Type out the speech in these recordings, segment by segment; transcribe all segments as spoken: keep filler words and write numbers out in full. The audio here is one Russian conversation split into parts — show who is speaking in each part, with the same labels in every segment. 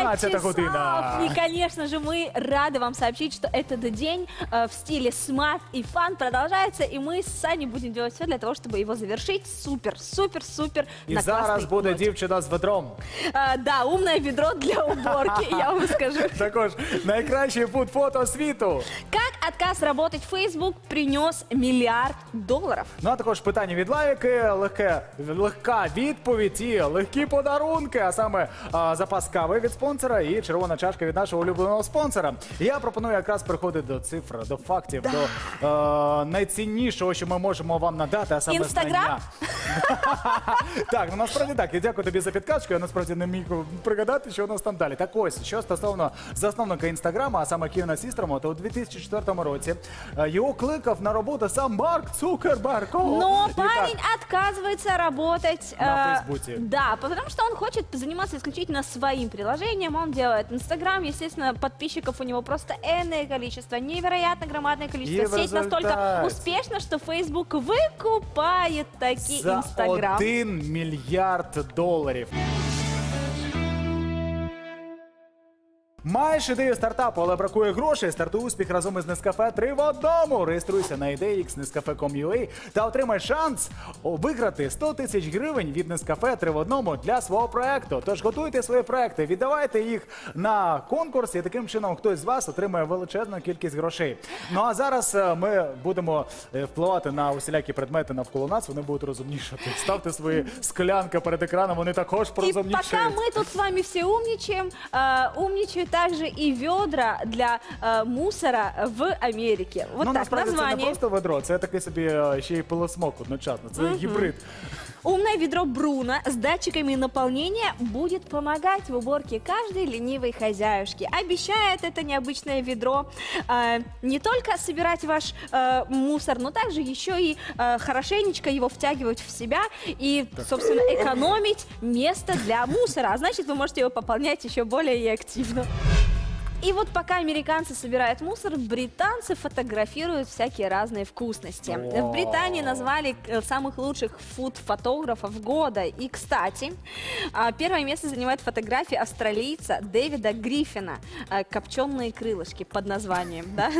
Speaker 1: одиннадцята година.
Speaker 2: И, конечно же, мы рады вам сообщить, что этот день э, в стиле смарт и фан продолжается, и мы с Саней будем делать все для того, чтобы его завершить супер, супер, супер
Speaker 1: І
Speaker 2: на
Speaker 1: зараз
Speaker 2: классной
Speaker 1: буде
Speaker 2: ноте.
Speaker 1: дівчина з ведром.
Speaker 2: А, да, умное ведро для уборки, я вам скажу.
Speaker 1: Також найкращий фуд-фото світу.
Speaker 2: Как отказ работать в Facebook принес миллиард долларов?
Speaker 1: Ну а також питання від лайки, легке, легка відповідь і легкі подарунки, а саме а, запас кави від спонсора і червона чашка від нашого улюбленого спонсора. Я пропоную якраз переходити до цифр, до фактів, до е, найціннішого, що ми можемо вам надати, а саме
Speaker 2: Інстаграм?
Speaker 1: знання. Так, ну насправді так. Я дякую тобі за підказку. Я насправді не міг пригадати, що у нас там далі. Так ось, що стосовно засновника Інстаграма, а саме Кевіна Сістерма, то у дві тисячі четвертому році е, його кликав на роботу сам Марк Цукерберг. О,
Speaker 2: Но
Speaker 1: і так.
Speaker 2: парень отказывается работать
Speaker 1: На
Speaker 2: э,
Speaker 1: Фейсбуке.
Speaker 2: Да, потому что он хочет заниматься исключительно своим приложением. Он делает Инстаграм, естественно, подписчиков у него просто энное количество, невероятно громадное количество.
Speaker 1: И в
Speaker 2: Сеть настолько
Speaker 1: результате
Speaker 2: успешна, что Facebook выкупает таки
Speaker 1: За
Speaker 2: Инстаграм.
Speaker 1: один мільярд доларів. Маєш ідею стартапу, але бракує грошей? Стартуй успіх разом із Нескафе три в одному. Реєструйся на ідеї ікс нескафе крапка ком крапка ю а та отримай шанс виграти сто тисяч гривень від Нескафе три в одному для свого проекту. Тож готуйте свої проекти, віддавайте їх на конкурс, і таким чином хтось з вас отримає величезну кількість грошей. Ну а зараз е, ми будемо е, впливати на усілякі предмети навколо нас, вони будуть розумнішати. Ставте свої склянки перед екраном, вони також
Speaker 2: И
Speaker 1: порозумнішають.
Speaker 2: пока мы тут с вами все умничаем, э, умничают также и ведра для э, мусора в Америке. Вот
Speaker 1: Ну,
Speaker 2: так,
Speaker 1: насправді це не
Speaker 2: название.
Speaker 1: просто ведро, це такий собі е, ще й пилосмок одночасно. Це гібрид.
Speaker 2: Умное ведро Бруно с датчиками наполнения будет помогать в уборке каждой ленивой хозяюшки. Обещает это необычное ведро э, не только собирать ваш э, мусор, но также еще и э, хорошенечко его втягивать в себя и, собственно, экономить место для мусора. А значит, вы можете его пополнять еще более активно. И вот пока американцы собирают мусор, британцы фотографируют всякие разные вкусности.
Speaker 1: Вау.
Speaker 2: В Британии назвали э, самых лучших фуд-фотографов года. И, кстати, а, первое место занимает фотография австралийца Дэвида Гриффина «Копченые крылышки» под названием, да?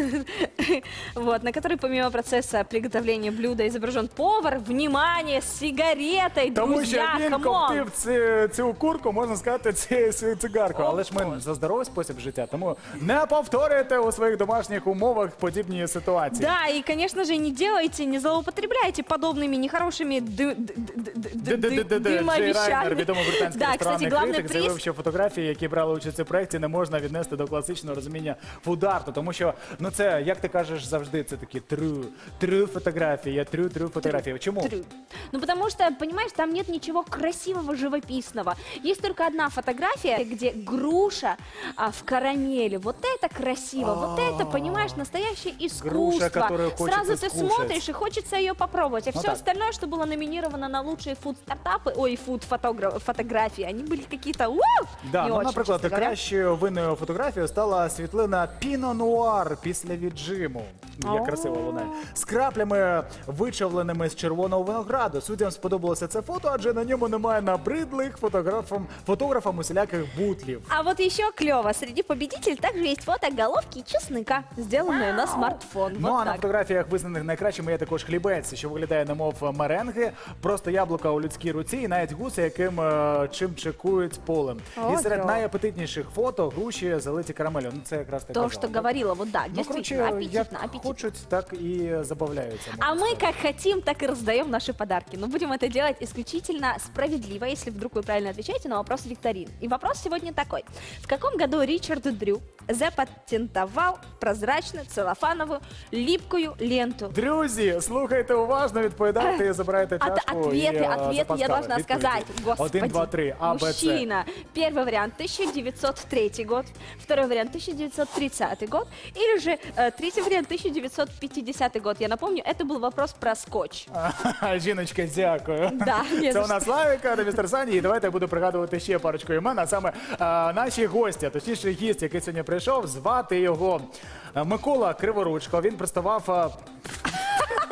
Speaker 2: Вот, на которой помимо процесса приготовления блюда изображен повар, внимание, с сигаретой,
Speaker 1: Тому що
Speaker 2: друзья,
Speaker 1: він
Speaker 2: камон!
Speaker 1: коптив цю, цю курку, можна сказати, ці- цю цигарку. Але ж ми за здоровий спосіб життя, тому не повторюйте у своїх домашніх умовах подібні ситуації.
Speaker 2: Да, и, конечно же, не делайте, не злоупотребляйте подобными нехорошими ды- ды- ды- ды- ды-
Speaker 1: Д-д-д-д-д. Джей Райнер,
Speaker 2: дымовещами.
Speaker 1: відомий британський
Speaker 2: Да,
Speaker 1: ресторанний
Speaker 2: кстати, главный
Speaker 1: критик, заявив,
Speaker 2: приз.
Speaker 1: що фотографії, які брали участь у проєкті, не можна віднести до класичного розуміння фуд-арту. Тому що, ну це, як ти кажеш, завжди це такі трю, трю фотографії, трю, трю фотографії. Чому?
Speaker 2: Трю. Ну, потому что, понимаешь, там нет ничего красивого, живописного. Есть только одна фотография, где груша а, в карамели. Вот это красиво, вот это, понимаешь, настоящее искусство.
Speaker 1: которую хочется
Speaker 2: Сразу ты
Speaker 1: скушать.
Speaker 2: смотришь и хочется ее попробовать. А
Speaker 1: Ну
Speaker 2: все
Speaker 1: так.
Speaker 2: остальное, что было номинировано на лучшие фуд-стартапы, ой, фуд-фотографии, они были какие-то, ууу,
Speaker 1: Да,
Speaker 2: не
Speaker 1: ну,
Speaker 2: очень,
Speaker 1: наприклад,
Speaker 2: честно говоря.
Speaker 1: кращою винною фотографією стала світлина Піно Нуар після віджиму. Як
Speaker 2: О.
Speaker 1: красиво лунає. З краплями, вичавленими з червоного винограду. Суддям сподобалося це фото, адже на ньому немає набридлих фотографам, фотографам усіляких бутлів.
Speaker 2: А вот еще клево, среди победителей также есть фото головки чеснока, сделанные на смартфон.
Speaker 1: Ну
Speaker 2: Вот
Speaker 1: а на
Speaker 2: так.
Speaker 1: фотографіях визнаних найкращими є також хлібець, що виглядає немов меренги, просто яблука у людській руці і навіть гуси, яким е, чим чекують полем.
Speaker 2: О,
Speaker 1: і серед
Speaker 2: кльово.
Speaker 1: найапетитніших фото груші залиті карамелю. Ну це якраз так
Speaker 2: То,
Speaker 1: казала,
Speaker 2: что
Speaker 1: да?
Speaker 2: говорила, вот да,
Speaker 1: Ну,
Speaker 2: действительно,
Speaker 1: короче, як
Speaker 2: аппетитно, аппетитно.
Speaker 1: хочуть, так і забавляються.
Speaker 2: А
Speaker 1: можна
Speaker 2: мы
Speaker 1: сказати.
Speaker 2: как хотим, так и раздаем наши подарки. Но будем это делать исключительно справедливо, если вдруг вы правильно отвечаете на вопрос викторин. И вопрос сегодня такой. В каком году Ричард Дрю запатентовал прозрачную целлофановую липкую ленту?
Speaker 1: Друзі, слухайте уважно, відповідайте і забирайте
Speaker 2: От-
Speaker 1: чашку.
Speaker 2: ответы,
Speaker 1: і, е,
Speaker 2: ответы
Speaker 1: запас
Speaker 2: я
Speaker 1: кави.
Speaker 2: должна
Speaker 1: Відповіді.
Speaker 2: сказать. Господи.
Speaker 1: Один, два, три. А, Б, С.
Speaker 2: Мужчина. Первый вариант тысяча девятьсот третий год, второй вариант тысяча девятьсот тридцатый год, или же э, третий вариант тысяча девятьсот пятидесятый год. Я напомню, это был вопрос про скотч.
Speaker 1: А, жіночка, дякую.
Speaker 2: Да, не
Speaker 1: Це
Speaker 2: за
Speaker 1: у нас Славіка та містер Сані. І давайте я буду пригадувати ще парочку імен. А саме а, наші гості, а точніше гість, який сьогодні прийшов, звати його а, Микола Криворучко. Він представав... а,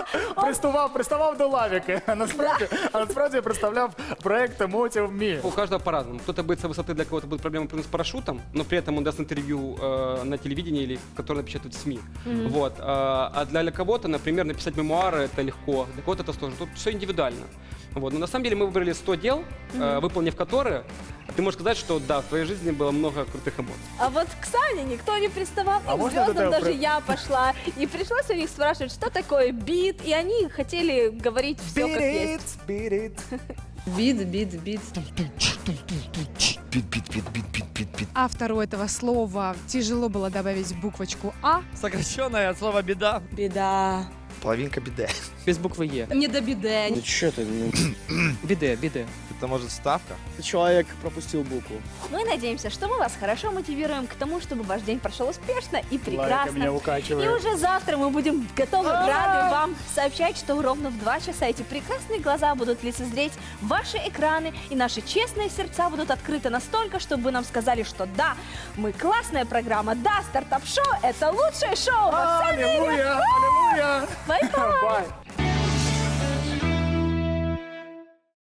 Speaker 1: приставав, приставав до лавіки. А насправді, а насправді я представляв проект Motive Me.
Speaker 3: У каждого по-разному. Кто-то боится высоты, для кого-то будет проблема прыгнуть с парашютом, но при этом он даст интервью э, на телевидении или которое напечатают в СМИ. Вот. А, а для кого-то, например, написать мемуары это легко, для кого-то это сложно. Тут все индивидуально. Вот. Но на самом деле мы выбрали сто дел, э, выполнив которые, ты можешь сказать, что да, в твоей жизни было много крутых эмоций.
Speaker 2: А вот к Сане никто не приставал,
Speaker 1: А
Speaker 2: и к
Speaker 1: можно
Speaker 2: звездам
Speaker 1: это
Speaker 2: даже
Speaker 1: про-
Speaker 2: я пошла. И пришлось у них спрашивать, что такое бит, и они хотели говорить все
Speaker 1: Beat
Speaker 2: как
Speaker 1: it,
Speaker 2: есть.
Speaker 1: beat it.
Speaker 4: Бит, бит, бит.
Speaker 5: Автору этого слова тяжело было добавить буквочку «а».
Speaker 6: Сокращенное от слова беда.
Speaker 4: Беда.
Speaker 7: Половинка беды.
Speaker 6: Без буквы Е.
Speaker 4: Не до беды.
Speaker 7: Ну что ты, ну,
Speaker 6: Биде, биде.
Speaker 7: это может ставка?
Speaker 8: Человек пропустил букву.
Speaker 2: Мы надеемся, что мы вас хорошо мотивируем к тому, чтобы ваш день прошел успешно и
Speaker 1: Лайка меня
Speaker 2: прекрасно. И
Speaker 1: укачивает.
Speaker 2: уже завтра мы будем готовы, рады вам сообщать, что ровно в два часа эти прекрасные глаза будут лицезреть ваши экраны, и наши честные сердца будут открыты настолько, чтобы вы нам сказали, что да, мы классная программа, да, стартап-шоу — это лучшее шоу во всем мире.
Speaker 1: Аллилуйя, аллилуйя.
Speaker 2: Bye-bye.
Speaker 1: Bye.